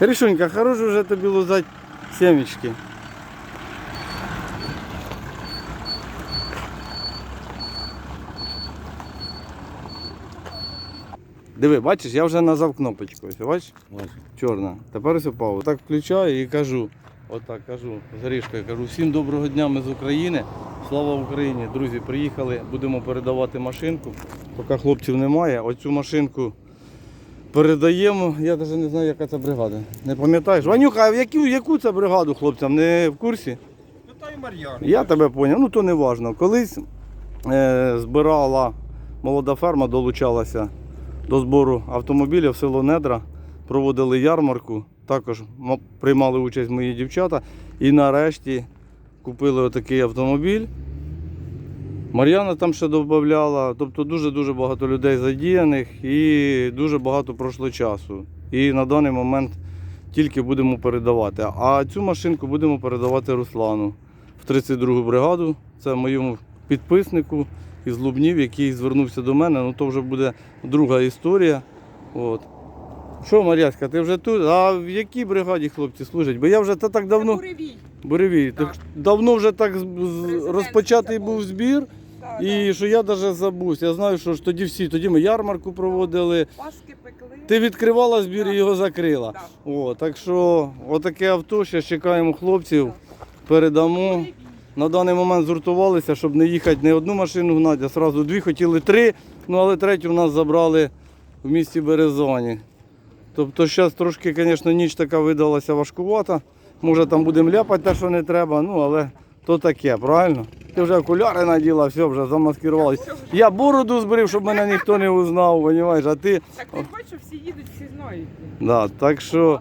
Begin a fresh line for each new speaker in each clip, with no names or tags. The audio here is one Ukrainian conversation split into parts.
Рішунька, хорош вже тобі лузати семечки. Диви, бачиш, я вже нажав кнопочку, ось, бачиш? Чорна. Тепер ось упав. Так включаю і кажу, отак кажу, з Гришкою, кажу, всім доброго дня, ми з України, слава Україні. Друзі, приїхали, будемо передавати машинку, поки хлопців немає. Оцю машинку передаємо, я навіть не знаю, яка це бригада. Не пам'ятаєш? Ванюха, а в яку це бригаду хлопцям, не в курсі?
Питаю Мар'яну.
Я тебе зрозумів, ну то не важливо. Колись збирала молода ферма, долучалася до збору автомобілів в село Недра, проводили ярмарку, також приймали участь мої дівчата і нарешті купили отакий автомобіль. Мар'яна там ще додавала, тобто дуже-дуже багато людей задіяних і дуже багато пройшло часу. І на даний момент тільки будемо передавати. А цю машинку будемо передавати Руслану в 32-гу бригаду. Це моєму підписнику із Лубнів, який звернувся до мене. Ну то вже буде друга історія. От. Що, Мар'яська, ти вже тут? А в якій бригаді хлопці служать? Бо я вже так давно...
Буревій.
Буревій. Так. Давно вже так розпочатий був збір.
Так,
І що я навіть забувся. Я знаю, що ж тоді ми ярмарку проводили.
Паски пекли.
Ти відкривала збір і його закрила.
Так.
О, так що отаке авто, ще чекаємо хлопців, передамо. На даний момент згуртувалися, щоб не їхати не одну машину гнати, а одразу дві, хотіли три, ну але третю в нас забрали в місті Березані. Тобто зараз трошки, звісно, ніч така видалася важкувата. Може там будемо ляпати те, що не треба, ну але то таке, правильно? Ти вже окуляри наділа, все, вже замаскирувалися. Я бороду збрив, щоб мене ніхто не узнав, розумієш, а ти...
Так ти бачиш, всі їдуть, всі знають.
Да, так що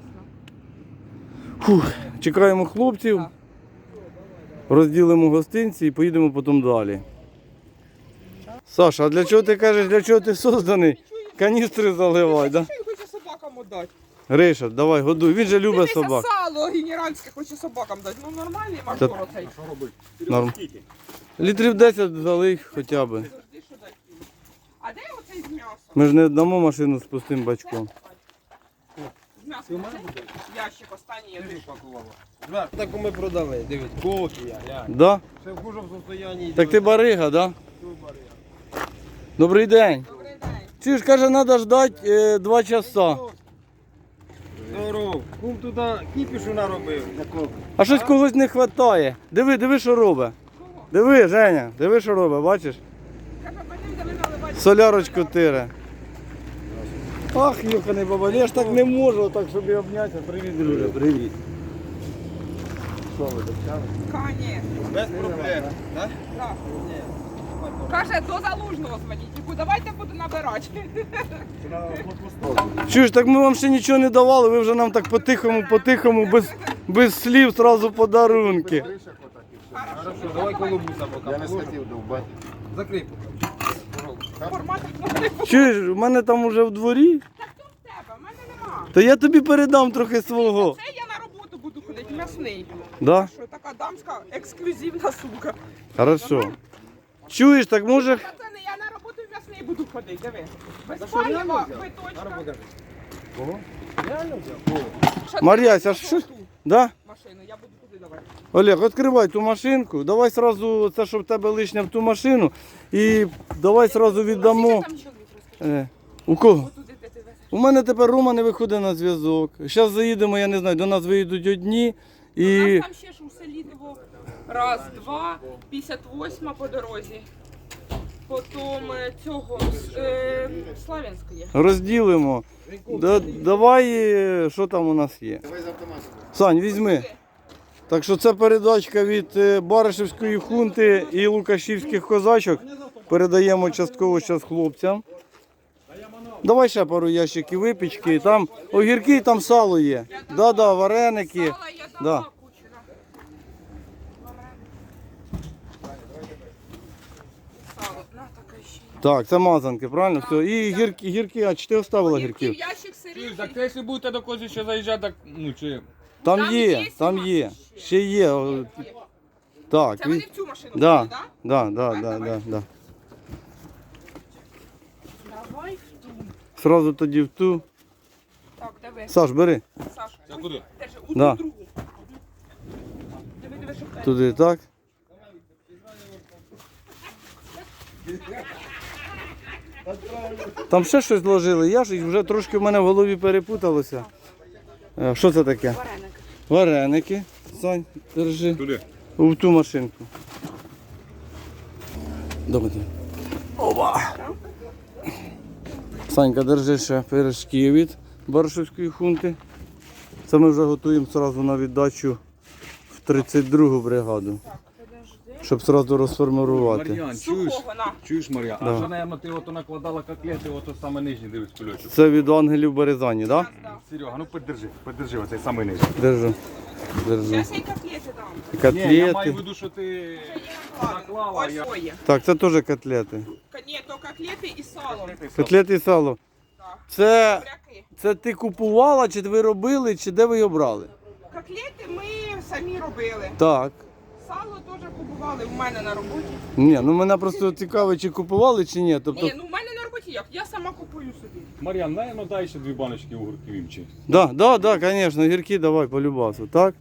чекаємо хлопців,
Так.
розділимо гостинці і поїдемо потім далі. Саша, а для чого ти кажеш, для чого ти созданий? Каністри заливай, да?
Що він хоче собакам віддати?
Гриша, давай, годуй, він же любить собак.
Сало генеральське хоче собакам дати. Ну нормальний мажор оцей.
Норм. Літрів 10 залий хоча б.
Завжди що дати. А де оцей з м'ясом?
Ми ж не дамо машину з пустим бачком.
З м'ясом оцей? Ящик останній я дивлюсь.
Таку ми продали, дивись, кокія, глянь.
Да?
Ще в хужому состоянні.
Так ти барига, да? Добрий день.
Добрий день.
Чуєш, каже, треба ждати 2 часа.
Здоров. Кум туди кіпішу наробив.
А щось когось не вистачає. Диви, що робить.
Кого?
Диви, Женя, диви, що робить, бачиш?
Каже, потім дали наливати.
Солярочку тире. Ах, юханий баба, я ж так не можу, так, щоб і обнятися. Привіт, друже, привіт. Що ви, дочали?
Конечно.
Без проблем. Так?
Так. Каже, до Залужного дзвоніть. Яку, давайте буду набирати.
Чуєш, так ми вам ще нічого не давали, ви вже нам так по-тихому, без слів, одразу подарунки.
Хорошо, давай колобуса поки.
Я не схотів довбати.
Закрий поки.
Формат.
Чуєш, у мене там уже в дворі,
Так то в тебе, в мене нема.
то я тобі передам трохи свого.
Це я на роботу буду ходити, м'ясний.
Да?
Що така дамська ексклюзивна сумка.
Хорошо. Чуєш, так може...
Пацани, я на роботу в м'ясний буду ходити, диви. Без палива, биточка.
Кого? Реально взяв?
Мар'ясь, а що? Да?
Машину, я буду туди давати.
Олег, відкривай ту машинку, давай сразу це, що в тебе лишнє в ту машину, і давай сразу віддамо.
Скільки там чоловік, розкажи?
У кого?
Отуди, де ти везеш.
У мене тепер Рома не виходить на зв'язок. Зараз заїдемо, я не знаю, до нас виїдуть одні
У
і
нас там ще ж у селі диво. Раз, два, 58 по дорозі. Потім цього Славянської.
розділимо. Давай, що там у нас є.
Давай з автоматом.
Сань, візьми. Так що це передачка від Баришівської хунти і Лукашівських козачок. Передаємо частково зараз хлопцям. Давай ще пару ящиків випічки. Там огірки, там сало є. Да, вареники.
Сала я
Да.
дала кучу. Сало, на така ще.
Так, це мазанки, правильно? Все. І гірки, а чи ти оставила
Огірків,
гірків?
ящик сирів.
Так якщо будете до когось ще заїжджати, так, ну чи...
Там
Там
є,
є
там
у
є.
нас ще?
Ще є. Так.
Це вони в цю машину
Да,
ходять, так?
да.
Давай в ту.
Сразу тоді в ту.
Так, диви.
Саш, бери.
Саш,
Це куди?
держи, у
Да.
другу. Диви, щоб те.
Туди так. Там ще щось ложили, я ж вже трошки в мене в голові перепуталося. Що це таке?
Вареник.
Вареники. Сань, держи.
Туди.
В ту машинку. Добре. Опа! Санька, держи ще пиріжки від Баршівської хунти. Це ми вже готуємо одразу на віддачу в 32-гу бригаду,
Так, подожди.
щоб одразу розформувати.
Мар'ян, чуєш?
Сухого, на.
Чуєш, Мар'ян?
Да.
А що, наверно, ти ото накладала котлети, ото саме нижній дивись кульочок.
Це від ангелів Березані, так?
Раз, да.
Серега, ну подержи оцей самий нижній.
Держу. Держу.
Зараз я й котлети дам.
Ні, я маю в
Котлети.
виду, що ти
Ладно,
наклала,
ось
я...
своє.
Так, це теж котлети.
Ні, то котлети і сало.
Котлети і сало.
Так.
Це,
Буряки.
це ти купувала, чи ви робили, чи де ви його брали?
Котлети ми самі робили.
Так.
Сало теж купували в мене на роботі.
Ні, ну мене просто цікаво, чи купували, чи ні. Тобто,
Ні, ну в мене на роботі як? Я сама купую собі.
Мар'ян, наверно, дай ще 2 баночки огурків імчи.
да, звісно, гірки давай по любасу, так?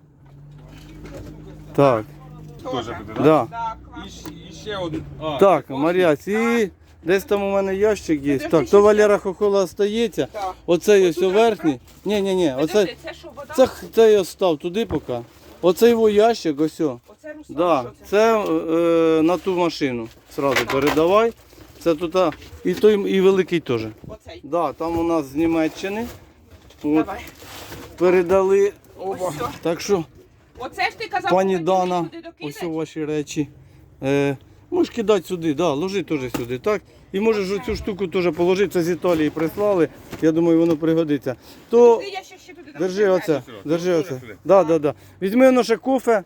Так,
Теж буде, так?
да.
Так, клас.
І ще один. А,
Так,
це
Мар'яць, і десь там у мене ящик є.
Подожди,
Так,
ще
то Валера Хохола остається.
Так.
Оцей ось
Отут
верхній. Ні, оце,
Подожди, це що, вода?
це я став туди поки. Оцей його ящик, ось. О.
Оце Руслан,
Да,
що це?
це на ту машину. Сразу передавай. Це тут і той, і великий теж.
Оцей.
Да, там у нас з Німеччини. От,
Давай.
передали.
Ось
Опа.
все.
Так що,
Оце ж ти казав,
пані
що
Дана,
туди докинеш?
ось ваші речі. Можеш кидати сюди, да, ложи теж сюди, так? І можеш оцю штуку теж положити, це з Італії прислали, я думаю, воно пригодиться. То
Ти, я ще туди дам.
держи оце,
Серйозно?
держи
Тоже
оце.
сюди?
Да. Візьми воно ще кофе.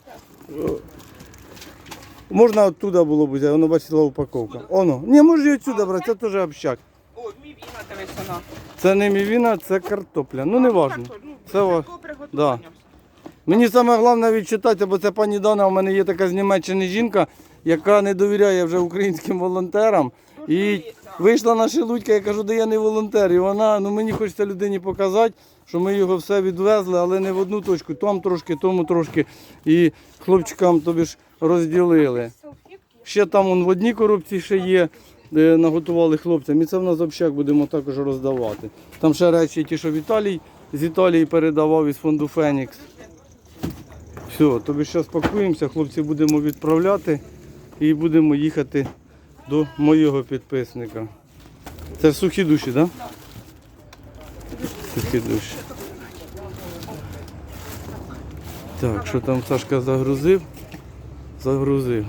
Можна оттуда було б взяти, воно бачила упаковка. Оно. Ні, може і отсюди брати, це теж общак.
О, мій віна, дивись, вона.
Це не мівіна, це картопля. Ну не важно.
Так, ну,
Це ва-
такого приготування.
Мені саме головне відчитати, бо це пані Дана, у мене є така з Німеччини жінка, яка не довіряє вже українським волонтерам. І вийшла на шелудька, я кажу, де я не волонтер. І вона, ну мені хочеться людині показати, що ми його все відвезли, але не в одну точку, там трошки, тому трошки. І хлопчикам тобі ж розділили.
Салфетки.
Ще там он, в одній коробці ще є, де наготували хлопцям. І це в нас общак будемо також роздавати. Там ще речі ті, що Віталій з Італії передавав із фонду Фенікс. Все, тобі зараз пакуємося, хлопці будемо відправляти і будемо їхати до моєго підписника. Це в сухі душі, так? Да? Сухі душі. Так, що там Сашка загрузив? Загрузив.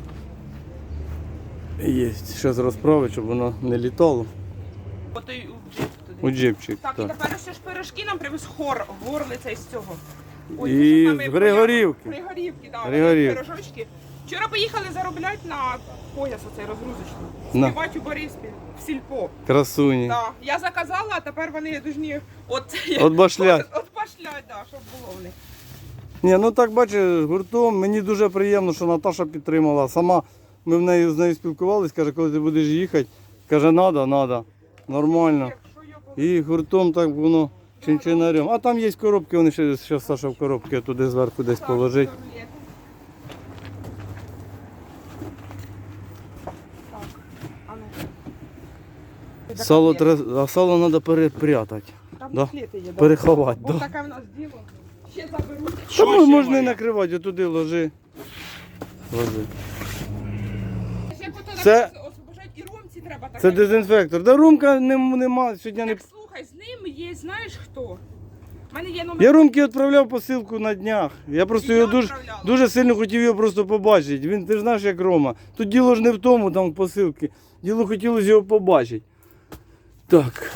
Є, зараз розправить, щоб воно не літало.
Отой у джип туди.
У джипчик.
Так, і
Так.
тепер ще ж пирожки нам привез горлиця із цього.
І
це ж саме
з Григорівки.
Григорівки, так.
Григорівки.
Пирожочки. Вчора поїхали заробляти на пояс оцей розгрузочний.
На.
Співати у Бориспіль, в сільпо.
Красуні.
Так. Я заказала, а тепер вони должні
От башлять.
От башлять, да, щоб було в них.
Ні, ну так бачиш, гуртом мені дуже приємно, що Наташа підтримала. Сама ми з нею спілкувалися, каже, коли ти будеш їхати, каже, надо, нормально.
Якщо я
І гуртом так воно чинчинарем. А там є коробки, вони ще Саша в коробки туди зверху десь положить.
Так, а ну.
Сало а сало треба перепрятати,
Там
да?
котлети є, да.
переховати.
Ось
Да.
таке в нас діло. Ще заберуть.
Та можна і накривати, отуди ложи.
Ще потім
Це-
освобождать і ромці треба таке.
Це дезінфектор. Да румка нема, сьогодні не...
Так слухай, з ним є, знаєш хто? У мене є номер.
Я Ромки відправляв посилку на днях. Я просто
Я
його
відправляла.
дуже сильно хотів його просто побачити. Він, ти ж знаєш, як Рома. Тут діло ж не в тому, там в посилки. Діло хотілося його побачити. Так.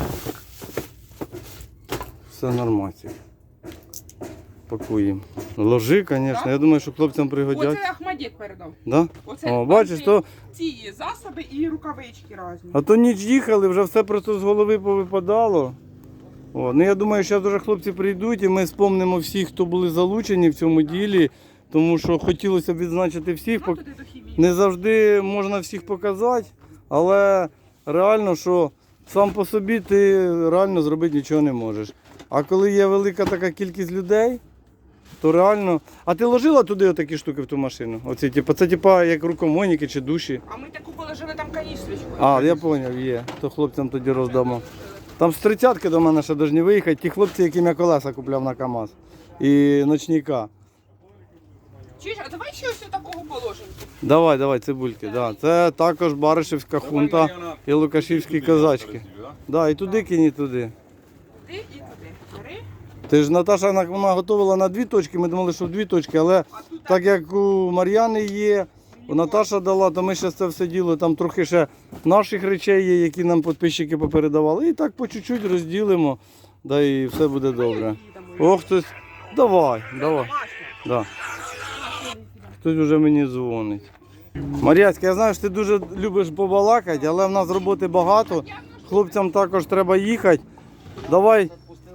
Все нормально. Пакуємо. Ложи, звісно.
Да?
Я думаю, що хлопцям пригодять.
Оце Ахмадєк передав.
Да?
Оце
О, бачиш,
там
то,
ці засоби і рукавички різні.
а то ніч їхали, вже все просто з голови повипадало. О, ну я думаю, що зараз хлопці прийдуть і ми спомнимо всіх, хто були залучені в цьому ділі, тому що хотілося б відзначити всіх.
Ну, туди до хімії.
Не завжди можна всіх показати, але реально, що сам по собі ти реально зробити нічого не можеш. А коли є велика така кількість людей, то реально. А ти ложила туди отакі штуки в ту машину? Оці, типу, це типа як рукомойники чи душі?
А ми таку положили там каністрочку.
А, я зрозумів, є. То хлопцям тоді роздамо. Там з 30-ки до мене ще повинні виїхати. Ті хлопці, яким я колеса купляв на КАМАЗ. І ночника.
Чуєш, а давай ще ось такого положимо.
Давай, цибульки. Да. Це також Баришевська хунта і Лукашівські козачки. Да, і туди кинь, і туди.
Туди і туди. Бери.
Ти ж Наташа вона готувала на 2 точки, ми думали, що в 2 точки, але так як у Мар'яни є, у Наташа дала, то ми ще це все діло, там трохи ще наших речей є, які нам підписчики попередавали. І так по чуть-чуть розділимо, да і все буде добре. О, хтось. Давай. Да. Хтось вже мені дзвонить. Мар'яцька, я знаю, що ти дуже любиш побалакати, але в нас роботи багато. Хлопцям також треба їхати. Давай.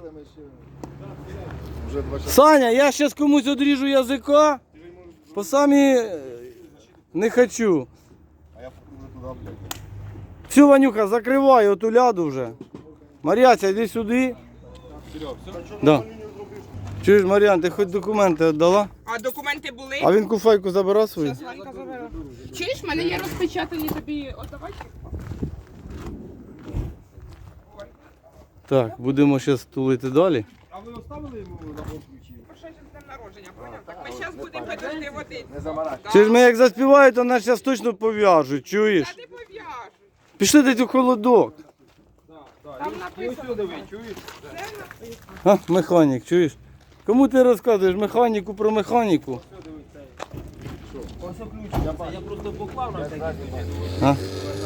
Саня, я зараз комусь одріжу язика, по самі не хочу. Все, Ванюха, закривай оту ляду вже. Мар'яця, йди сюди. Да. Чуєш, Мар'ян, ти хоч документи віддала?
А документи були?
А він куфайку забирав свою?
Зараз Ганька забере. Чуєш, в мене є розпечатані тобі отдавай.
Так, будемо зараз тулити далі.
А ви оставили йому на ключі?
Ще з днем народження, поняв? Так ми зараз будемо підожди води.
Не замарати.
Чи ж ми як заспівають, то нас зараз точно пов'яжуть, чуєш?
Та не пов'яжу.
Пішли десь у холодок.
Там написано.
Диви, чуєш?
А, механік, чуєш? Кому ти розказуєш механіку про механіку?
Ось ключ. Я просто поклав на всякий случай.
А?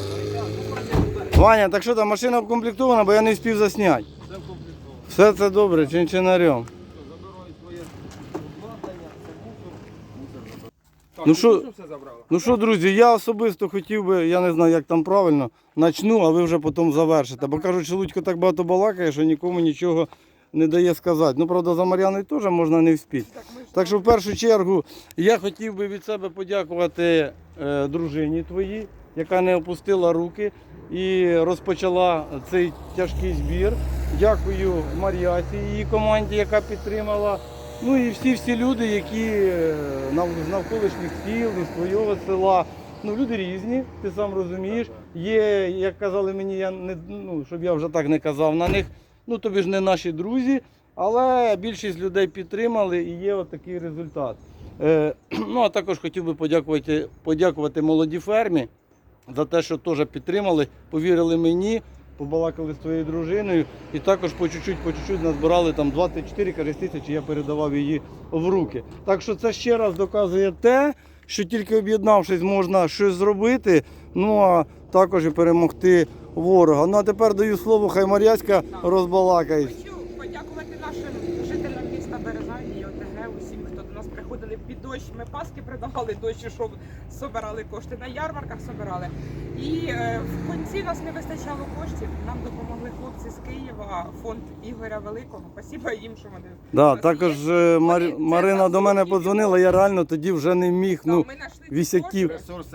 Ваня, так що там, машина вкомплектована, бо я не встиг засняти.
Все комплектовано.
Все це добре, чинчинарем.
Забираю своє обладнання, це мусор. Так,
Ну що-
все забрала?
Ну що, друзі, я особисто хотів би, я не знаю, як там правильно, начну, а ви вже потім завершите. Бо кажуть, що Лудько так багато балакає, що нікому нічого не дає сказати. Ну, правда, за Мар'яною теж можна не вспіти. Так що в першу чергу я хотів би від себе подякувати дружині твоїй, яка не опустила руки і розпочала цей тяжкий збір. Дякую Мар'яці і її команді, яка підтримала. Ну і всі люди, які з навколишніх сіл, із твого села. Ну, люди різні, ти сам розумієш. Є, як казали мені, я не, ну, щоб я вже так не казав на них, ну тобі ж не наші друзі, але більшість людей підтримали і є отакий результат. Ну, а також хотів би подякувати молодій фермі за те, що теж підтримали, повірили мені, побалакали з твоєю дружиною і також по чуть-чуть назбирали там 24 тисячі, я передавав її в руки. Так що це ще раз доказує те, що тільки об'єднавшись можна щось зробити, ну а також і перемогти ворога. Ну а тепер даю слово, хай Мар'яцька розбалакає.
Хочу подякувати нашим жителям міста Березані і ОТГ, усім, хто до нас приходили під дощ. Ми паски придавали дощ, щоб збирали кошти, на ярмарках збирали. І в кінці нас не вистачало коштів, нам допомогли хлопці з Києва, фонд Ігоря Великого. Спасибо їм, що вони
Да,
у нас
також
є.
Марина до мене подзвонила, я реально тоді вже не міг.
Да,
Ну,
ми знайшли ці
вісяків.
кошти.
Ресурси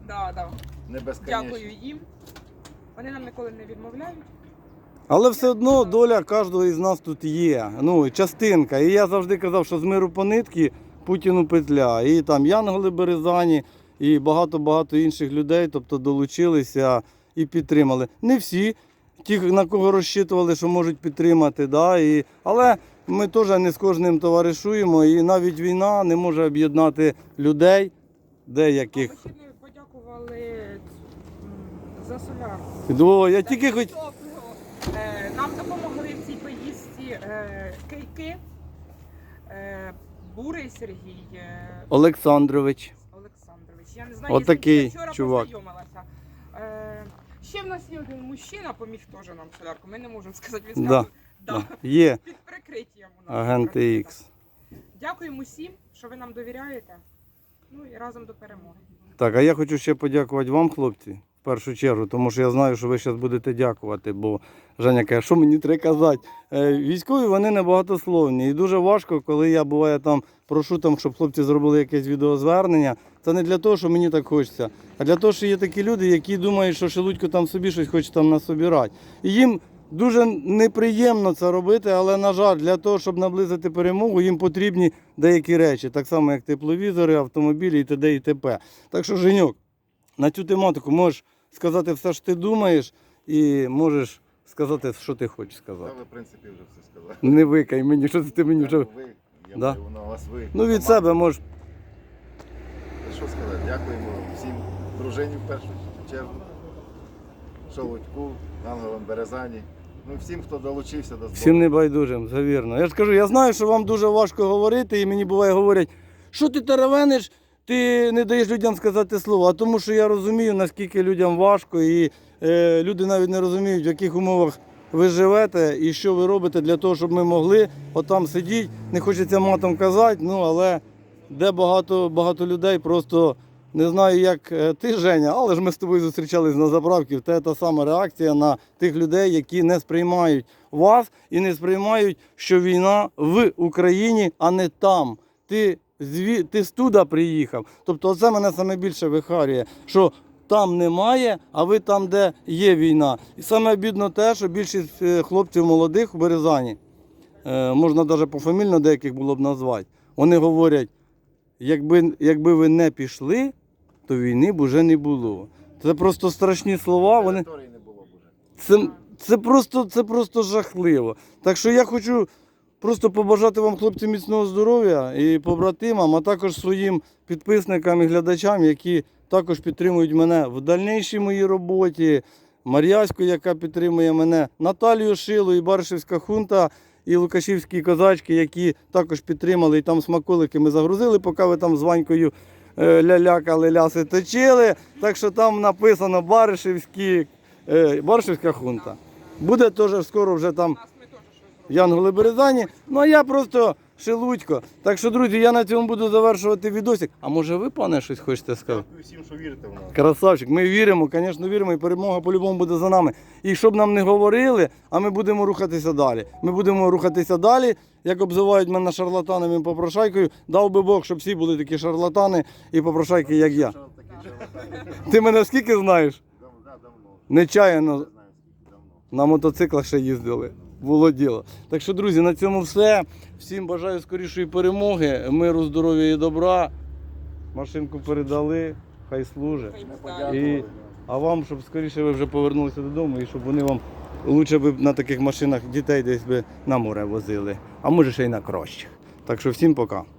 Да.
не безконечні.
Дякую їм. Вони нам ніколи не відмовляють.
Але все одно доля кожного із нас тут є. Ну, частинка. І я завжди казав, що з миру по нитки Путіну петля. І там Янголи Березані, і багато-багато інших людей, тобто долучилися і підтримали. Не всі, ті, на кого розчитували, що можуть підтримати, да, але ми теж не з кожним товаришуємо, і навіть війна не може об'єднати людей, деяких.
Ми ще не подякували за солярку.
О, я тільки хоч...
Нам допомогли в цій поїздці Кейки, Бурий Сергій
Олександрович.
Олександрович. Я не знаю,
Отакий
я вчора
чувак.
познайомилася. Ще в нас є один мужчина, поміг теж нам солярку. Ми не можемо сказати, він
Да.
сказав,
Да. Є
під прикриттям у нас.
агенти Х.
Дякуємо усім, що ви нам довіряєте. Ну і разом до перемоги.
Так, а я хочу ще подякувати вам, хлопці, в першу чергу, тому що я знаю, що ви зараз будете дякувати, бо Женя каже, що мені треба казати. Військові, вони небагатословні, і дуже важко, коли я, буває, там прошу, там, щоб хлопці зробили якесь відеозвернення, Це не для того, що мені так хочеться, а для того, що є такі люди, які думають, що Шелудько там собі щось хоче там насобирати. І їм дуже неприємно це робити, але, на жаль, для того, щоб наблизити перемогу, їм потрібні деякі речі, так само, як тепловізори, автомобілі і т.д. і т.п. Так що, Женьок, на цю тематику можеш сказати все, що ти думаєш, і можеш сказати, що ти хочеш сказати.
Ви, в принципі, вже все сказали.
Не викай мені, що ти мені вже...
Ви, я
Да?
маю на вас ви.
Ну, від себе можеш.
Що сказати? Дякуємо всім дружині в першу чергу, Шелудьку, Ангелам Березані. Ну і всім, хто долучився до збору.
Всім небайдужим, це вірно. Я ж кажу, я знаю, що вам дуже важко говорити, і мені буває говорять, що ти теревениш, ти не даєш людям сказати слово. А тому що я розумію, наскільки людям важко, і люди навіть не розуміють, в яких умовах ви живете і що ви робите для того, щоб ми могли отам сидіти. Не хочеться матом казати, ну але де багато людей просто не знаю, як ти, Женя, але ж ми з тобою зустрічались на заправці. В тебе та сама реакція на тих людей, які не сприймають вас і не сприймають, що війна в Україні, а не там. Ти з туди приїхав. Тобто це мене саме більше вихарює, що там немає, а ви там, де є війна. І саме бідно те, що більшість хлопців молодих у Березані, можна навіть пофамільно деяких було б назвати, вони говорять, якби ви не пішли, то війни б уже не було. Це просто страшні слова. Вони...
Території не було б уже.
Це просто жахливо. Так що я хочу просто побажати вам, хлопці, міцного здоров'я і побратимам, а також своїм підписникам і глядачам, які також підтримують мене в дальнішій моїй роботі. Мар'яську, яка підтримує мене, Наталію Шилу і Баришівська хунта, і Лукашівські козачки, які також підтримали, і там смаколики ми загрузили, поки ви там з Ванькою лялякали, ляси точили. Так що там написано Баришівська хунта. Буде теж скоро вже там
Нас ми теж щось зробимо.
Янголи Березані. Ну а я просто Шелудько. Так що, друзі, я на цьому буду завершувати відосик. А може ви, пане, щось хочете сказати?
Дякую всім, що вірите в нас.
Красавчик, ми віримо, звісно, віримо, і перемога по-любому буде за нами. І щоб нам не говорили, а ми будемо рухатися далі. Ми будемо рухатися далі, як обзивають мене шарлатанами і попрошайкою. Дав би Бог, щоб всі були такі шарлатани і попрошайки, як я.
Що таке живе?
Ти мене скільки знаєш?
Давно.
Нечаянно
Не знаю, скільки давно.
на мотоциклах ще їздили. Було діло. Так що, друзі, на цьому все. Всім бажаю скорішої перемоги, миру, здоров'я і добра. Машинку передали, хай служить.
Хай
Ми
буде.
подякували.
А вам, щоб скоріше ви вже повернулися додому і щоб вони вам лучше б на таких машинах дітей десь би на море возили. А може ще й на кращих. Так що всім пока.